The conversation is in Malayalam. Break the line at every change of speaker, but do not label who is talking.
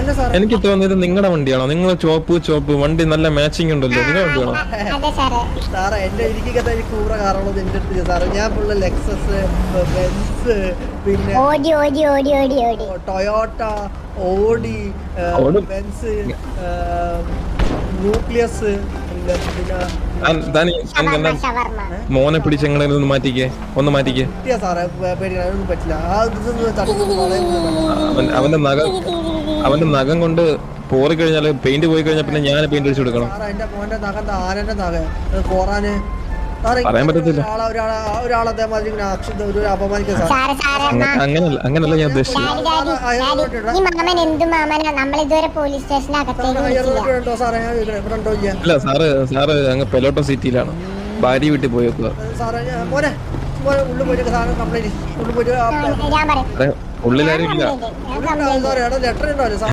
എനിക്ക് തോന്നിയത് നിങ്ങളുടെ വണ്ടിയാണോ? നിങ്ങൾ ചോപ്പ് വണ്ടി നല്ല മാച്ചിങ് ഉണ്ടല്ലോ, നിങ്ങളുടെ വണ്ടിയാണോ?
സാറേ എന്റെ എനിക്കകത്ത് എനിക്ക് കൂറ കാറുള്ളത് എന്റെ അടുത്ത് സാറേ. ഞാൻ ഫുള്ള് ലെക്സസ്, ബെൻസ്, പിന്നെ ടൊയോട്ട, ഓഡി, ബെൻസ്, ന്യൂക്ലിയസ്,
മോനെ പിടിച്ച് എങ്ങനെ ഒന്ന് മാറ്റിക്കേ.
സാറേ പേടിക്കാനൊന്നും പറ്റില്ല.
അവന്റെ നഖം കൊണ്ട് പോറി കഴിഞ്ഞാല് പെയിന്റ് പോയി കഴിഞ്ഞാൽ പിന്നെ ഞാൻ പെയിന്റ് അടിച്ചു കൊടുക്കണം.
എന്റെ മോന്റെ നഖം ആനന്റെ നഖം കോറാന്
പറയാൻ പറ്റത്തില്ല. അങ്ങനല്ല ഞാൻ ഉദ്ദേശിച്ചത്. അല്ല സാറ് അങ്ങ് പെലോട്ടോ സിറ്റിയിലാണ്, ഭാര്യ വീട്ടിൽ പോയേക്കുക. ഉള്ളിലാരും ഇല്ല.
ലെറ്റർ ഉണ്ടോ?